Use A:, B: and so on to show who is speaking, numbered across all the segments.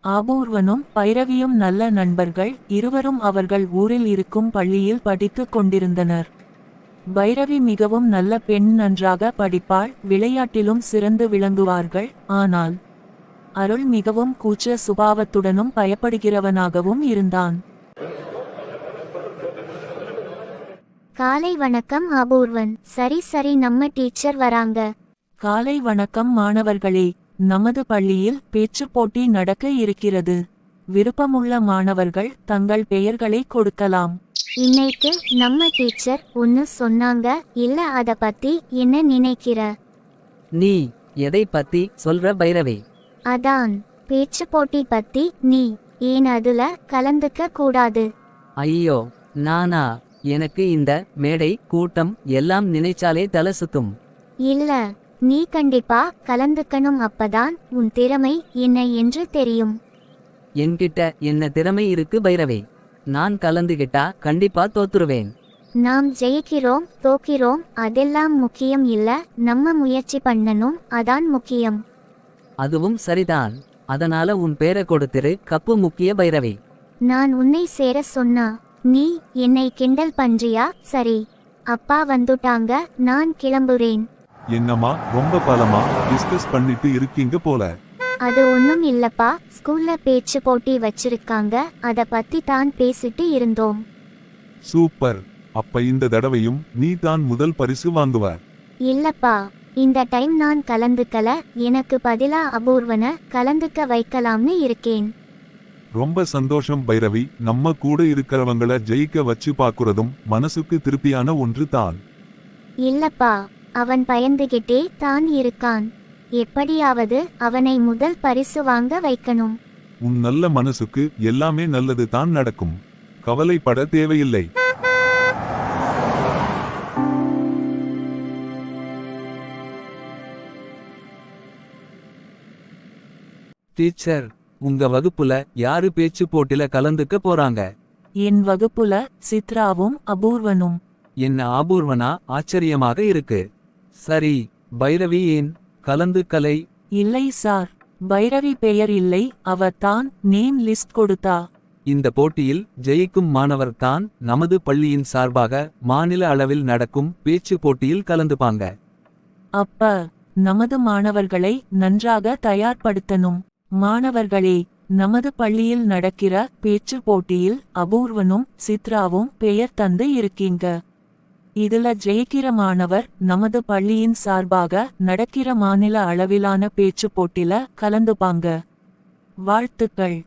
A: ஆபூர்வனும் பைரவியும் நல்ல நண்பர்கள். இருவரும் அவர்கள் ஊரில் இருக்கும் பள்ளியில் படித்துக் கொண்டிருந்தனர். பைரவி மிகவும் நல்ல பெண், நன்றாக படிப்பாள், விளையாட்டிலும் சிறந்து விளங்குவார்கள். ஆனால் அருள் மிகவும் கூச்ச சுபாவத்துடனும் பயப்படுகிறவனாகவும் இருந்தான்.
B: காலை வணக்கம் அபூர்வன். சரி சரி, நம்ம டீச்சர் வராங்க.
A: காலை வணக்கம் மாணவர்களே. நமது பள்ளியில் பேச்சுப் போட்டி நடக்க இருக்கிறது. விருப்பமுள்ள மாணவர்கள் தங்கள் பெயர்களை கொடுக்கலாம்.
B: இன்னைக்கு நம்ம டீச்சர் ஒன்னு சொன்னாங்க, இல்ல அத பத்தி என்ன நினைக்கிற?
C: நீ எதை பத்தி சொல்ற பைரவி?
B: அதான் பேச்சு போட்டி பத்தி. நீ ஏன் அதுல கலந்துக்க கூடாது?
C: ஐயோ, நானா? எனக்கு இந்த மேடை கூட்டம் எல்லாம் நினைச்சாலே தலை சுத்தும்.
B: இல்ல, நீ கண்டிப்பா கலந்துக்கணும். அப்பதான் உன் திறமை என்ன என்று தெரியும்.
C: என்கிட்ட என்ன திறமை இருக்கு பைரவி? நான் கலந்துகிட்டா கண்டிப்பா தோத்துருவேன்.
B: நாம் ஜெயிக்கிறோம் தோக்கிறோம் அதெல்லாம் முக்கியம் இல்ல, நம்ம முயற்சி பண்ணணும், அதான் முக்கியம்.
C: அதுவும் சரிதான். அதனால உன் பேரை கொடுத்திரு, கப்பு முக்கிய பைரவி.
B: நான் உன்னை சேர சொன்னா நீ என்னை கிண்டல் பண்றியா? சரி, அப்பா வந்துட்டாங்க, நான் கிளம்புறேன்.
D: என்னம்மா ரொம்ப பலமா டிஸ்கஸ் பண்ணிட்டு இருக்கீங்க போல.
B: அது ஒண்ணும் இல்லப்பா, ஸ்கூல்ல பேச்சு போட்டி வச்சிருக்காங்க, அத பத்தி தான் பேசிட்டு இருந்தோம்.
D: சூப்பர். அப்ப இந்த தடவையும் நீ தான் முதல் பரிசு வாங்குவ.
B: இல்லப்பா, இந்த டைம் நான் கலந்துக்கல, எனக்கு பதிலா அபூர்வன கலந்துக்க வைக்கலாம்னு இருக்கேன்.
D: ரொம்ப சந்தோஷம் பைரவி. நம்ம கூட இருக்கிறவங்கள ஜெயிக்க வச்சு பாக்குறதும் மனசுக்கு திருப்தியான ஒன்று தான்.
B: இல்லப்பா, அவன் பயந்துகிட்டே தான் இருக்கான். எப்படியாவது அவனை முதல் பரிசு வாங்க வைக்கணும்.
D: உன் நல்ல மனசுக்கு எல்லாமே நல்லது தான் நடக்கும். கவலைப்பட தேவையில்லை.
E: டீச்சர், உங்க வகுப்புல யாரு பேச்சு போட்டில கலந்துக்க போறாங்க?
A: என் வகுப்புல சித்ராவும் அபூர்வனும்.
E: என்ன அபூர்வனா? ஆச்சரியமாக இருக்கு. சரி, பைரவி ஏன் கலந்துக்கலை?
A: இல்லை சார், பைரவி பெயர் இல்லை, அவ தான் நேம் லிஸ்ட் கொடுத்தா.
E: இந்த போட்டியில் ஜெயிக்கும் மாணவர் தான் நமது பள்ளியின் சார்பாக மாநில அளவில் நடக்கும் பேச்சு போட்டியில் கலந்துப்பாங்க.
A: அப்ப நமது மாணவர்களை நன்றாக தயார்படுத்தணும். மாணவர்களே, நமது பள்ளியில் நடக்கிற பேச்சு போட்டியில் அபூர்வனும் சித்ராவும் பெயர் தந்து இருக்கீங்க. இதுல ஜெயிக்கிற மாணவர் நமது பள்ளியின் சார்பாக நடக்கிற மாநில அளவிலான பேச்சு போட்டில கலந்துப்பாங்க. வாழ்த்துக்கள்.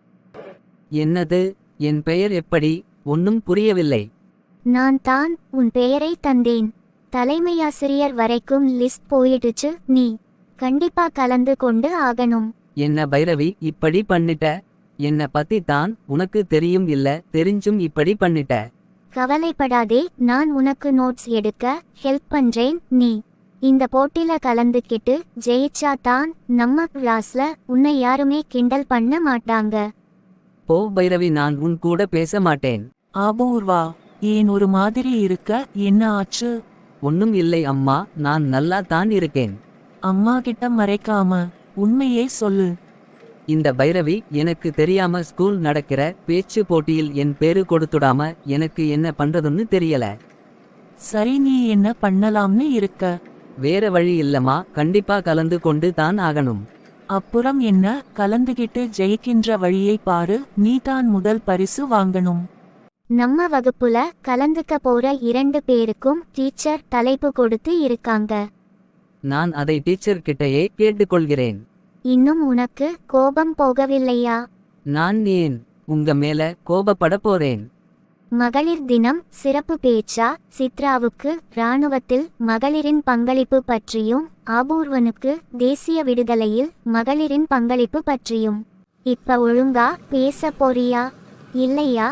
C: என்னது? என் பெயர் எப்படி? ஒன்னும் புரியவில்லை.
B: நான் தான் உன் பெயரை தந்தேன். தலைமையாசிரியர் வரைக்கும் லிஸ்ட் போயிடுச்சு, நீ கண்டிப்பா கலந்து கொண்டு ஆகணும்.
C: என்ன பைரவி இப்படி பண்ணிட்ட? என்ன பத்தி தான் உனக்கு தெரியும் இல்ல, தெரிஞ்சும் இப்படி பண்ணிட்ட.
B: கவலைப்படாதே, நான் உனக்கு நோட்ஸ் எடுக்க ஹெல்ப் பண்றேன். நீ இந்த போட்டில கலந்துக்கிட்டு ஜெயிச்சா தான் நம்ம கிளாஸ்ல உன்னை யாருமே கிண்டல் பண்ண மாட்டாங்க.
C: போ பைரவி, நான் உன் கூட பேச மாட்டேன்.
A: அபூர்வா, ஏன் ஒரு மாதிரி இருக்க? என்ன ஆச்சு?
C: ஒன்னும் இல்லை அம்மா, நான் நல்லா தான் இருக்கேன்.
A: அம்மா கிட்ட மறைக்காம உண்மையே சொல்லு.
C: இந்த பைரவி எனக்கு தெரியாம ஸ்கூல் நடக்கிற பேச்சு போட்டியில் என் பேரு கொடுத்துடாம எனக்கு என்ன பண்றதுன்னு தெரியல.
A: சரி, நீ என்ன பண்ணலாம்னு இருக்க?
C: வேற வழி இல்லம்மா, கண்டிப்பா கலந்து கொண்டு தான் ஆகணும்.
A: அப்புறம் என்ன? கலந்துகிட்டு ஜெயிக்கின்ற வழியை பாரு, நீ தான் முதல் பரிசு வாங்கணும்.
B: நம்ம வகுப்புல கலந்துக்க போற 2 பேருக்கும் டீச்சர் தலைப்பு கொடுத்து இருக்காங்க.
C: நான் அதை டீச்சர் கிட்டயே கேட்டுக்கொள்கிறேன்.
B: இன்னும் உனக்கு கோபம் போகவில்லையா?
C: நான் ஏன் உங்க மேல கோபப்பட போறேன்?
B: மகளிர் தினம் சிறப்பு பேச்சா? சித்ராவுக்கு இராணுவத்தில் மகளிரின் பங்களிப்பு பற்றியும் அபூர்வனுக்கு தேசிய விடுதலையில் மகளிரின் பங்களிப்பு பற்றியும். இப்ப ஒழுங்கா பேச போறியா இல்லையா?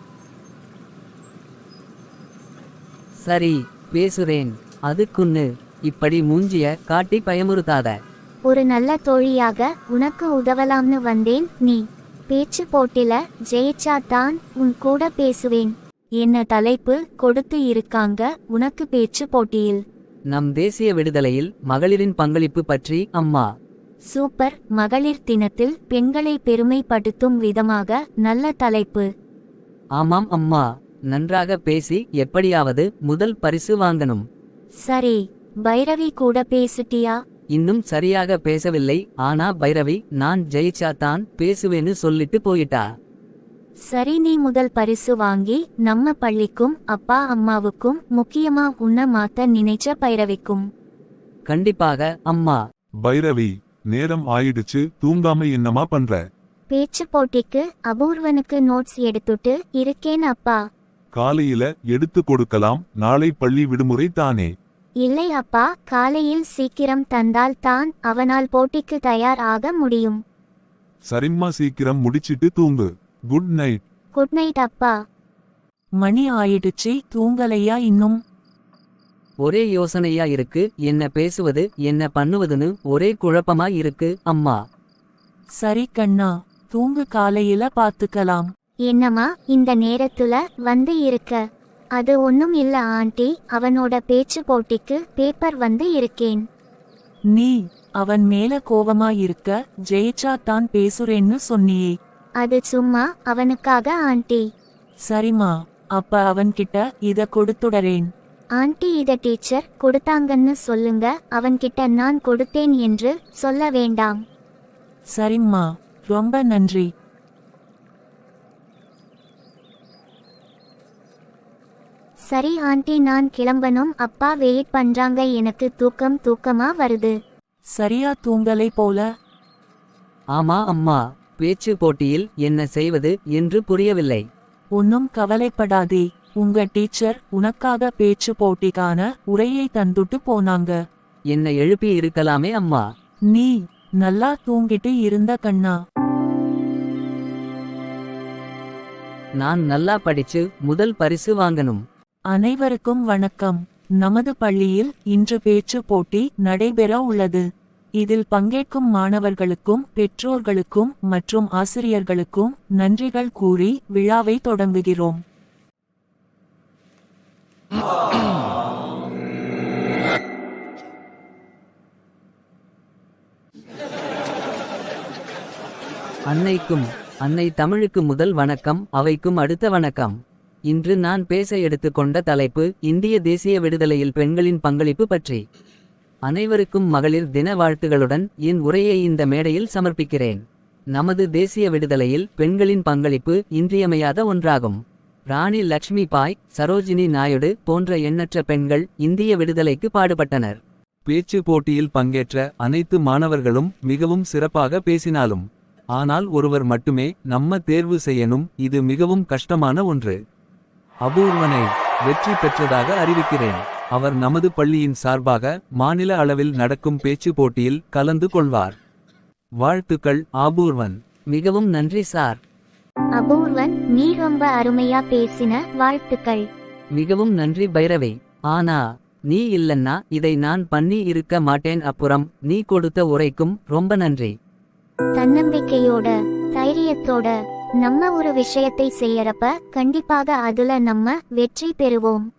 C: சரி, பேசுறேன். அதுக்குன்னு இப்படி மூஞ்சிய காட்டி பயமுறுத்தாத.
B: ஒரு நல்ல தோழியாக உனக்கு உதவலாம்னு வந்தேன். நீ பேச்சு போட்டில ஜெயிச்சா தான் உன் கூட பேசுவேன்.
A: என்ன தலைப்பு கொடுத்து இருக்காங்க உனக்கு பேச்சு போட்டியில்?
C: நம் தேசிய விடுதலையில் மகளிரின் பங்களிப்பு பற்றி அம்மா.
B: சூப்பர். மகளிர் தினத்தில் பெண்களை பெருமைப்படுத்தும் விதமாக நல்ல தலைப்பு.
C: ஆமாம் அம்மா. நன்றாக பேசி எப்படியாவது முதல் பரிசு வாங்கணும்.
B: சரி, பைரவி கூட பேசிட்டியா?
C: இன்னும் சரியாக பேசவில்லை. ஆனா பைரவி நான் ஜெயிச்சா தான் பேசுவேன்னு சொல்லிட்டு போயிட்டா.
B: சரி, நீ முதல் பரிசு வாங்கி நம்ம பள்ளிக்கும் அப்பா அம்மாவுக்கும் முக்கியமா உன்னை மாத்த நினைச்ச பைரவிக்கும்.
C: கண்டிப்பாக அம்மா.
D: பைரவி, நேரம் ஆயிடுச்சு, தூங்காம என்னமா பண்ற?
B: பேச்சு போட்டிக்கு அபூர்வனுக்கு நோட்ஸ் எடுத்துட்டு இருக்கேன் அப்பா.
D: காலையில எடுத்து கொடுக்கலாம், நாளை பள்ளி விடுமுறை தானே.
B: இல்லை அப்பா, காலையில் சீக்கிரம் தந்தால் தான் அவனால் போட்டிக்கு தயார் ஆக முடியும்.
D: சரிம்மா, சீக்கிரம் முடிச்சிட்டு தூங்கு. Good night.
B: குட் நைட் அப்பா.
A: மணி ஆயிடுச்சு, தூங்கலையா இன்னும்?
C: ஒரே யோசனையா இருக்கு. என்ன பேசுவது என்ன பண்ணுவதுன்னு ஒரே குழப்பமா இருக்கு அம்மா.
A: சரி கண்ணா, தூங்கு, காலையில பாத்துக்கலாம்.
B: என்னம்மா இந்த நேரத்துல வந்து இருக்க? அது ஒன்னும் இல்ல ஆண்டி, அவனோட பேச்சு போட்டிக்கு பேப்பர் வந்து இருக்கேன்.
A: நீ அவன் மேல கோவமா இருக்க, ஜெயிச்சா தான் பேசுறேன்னு சொன்னியே.
B: அது சும்மா அவனுக்காக ஆண்டி.
A: சரிம்மா, அப்ப அவன்கிட்ட இத கொடுத்துடறேன்.
B: ஆண்டி, இத டீச்சர் கொடுத்தாங்கன்னு சொல்லுங்க, அவன்கிட்ட நான் கொடுத்தேன் என்று சொல்ல வேண்டாம்.
A: சரிம்மா, ரொம்ப நன்றி.
B: சரி ஆண்டி, நான் கிளம்பணும். அப்பா வெயிட் பண்றாங்க, எனக்கு தூக்கமா வருது.
A: சரியா தூங்கலை போல.
C: ஆமா அம்மா. பேச்சு போட்டியில் என்ன செய்வது என்று புரியவில்லை.
A: ஒன்னும் கவலைப்படாதே, உங்க டீச்சர் உனக்காக பேச்சு போட்டிக்கான உரையை தந்துட்டு போனாங்க.
C: என்ன எழுப்பி இருக்கலாமே அம்மா.
A: நீ நல்லா தூங்கிட்டு இருந்த கண்ணா.
C: நான் நல்லா படிச்சு முதல் பரிசு வாங்கணும்.
A: அனைவருக்கும் வணக்கம். நமது பள்ளியில் இன்று பேச்சு போட்டி நடைபெற உள்ளது. இதில் பங்கேற்கும் மாணவர்களுக்கும் பெற்றோர்களுக்கும் மற்றும் ஆசிரியர்களுக்கும் நன்றிகள் கூறி விழாவை தொடங்குகிறோம்.
C: அன்னை தமிழுக்கு முதல் வணக்கம், அவைக்கும் அடுத்த வணக்கம். இன்று நான் பேச எடுத்துக்கொண்ட தலைப்பு இந்திய தேசிய விடுதலையில் பெண்களின் பங்களிப்பு பற்றி. அனைவருக்கும் மகளிர் தின வாழ்த்துகளுடன் என் உரையை இந்த மேடையில் சமர்ப்பிக்கிறேன். நமது தேசிய விடுதலையில் பெண்களின் பங்களிப்பு இன்றியமையாத ஒன்றாகும். ராணி லக்ஷ்மி பாய், சரோஜினி நாயுடு போன்ற எண்ணற்ற பெண்கள் இந்திய விடுதலைக்கு பாடுபட்டனர்.
E: பேச்சு போட்டியில் பங்கேற்ற அனைத்து மாணவர்களும் மிகவும் சிறப்பாக பேசினாலும் ஆனால் ஒருவர் மட்டுமே நம்ம தேர்வு செய்யணும். இது மிகவும் கஷ்டமான ஒன்று. அபூர்வனை வெற்றி பெற்றதாக அறிவிக்கிறேன். அவர் நமது பள்ளியின் சார்பாக மாநில அளவில் நடக்கும் பேச்சு போட்டியில் கலந்து கொள்வார். வாழ்த்துக்கள் அபூர்வன்.
C: மிகவும் நன்றி சார்.
B: அபூர்வன், நீ ரொம்ப அருமையா பேசின, வாழ்த்துக்கள்.
C: மிகவும் நன்றி பைரவி. ஆனா நீ இல்லன்னா இதை நான் பண்ணி இருக்க மாட்டேன். அப்புறம் நீ கொடுத்த உரைக்கும் ரொம்ப நன்றி.
B: தன்னம்பிக்கையோட தைரியத்தோட நம்ம ஒரு விஷயத்தை செய்யறப்ப கண்டிப்பாக அதுல நம்ம வெற்றி பெறுவோம்.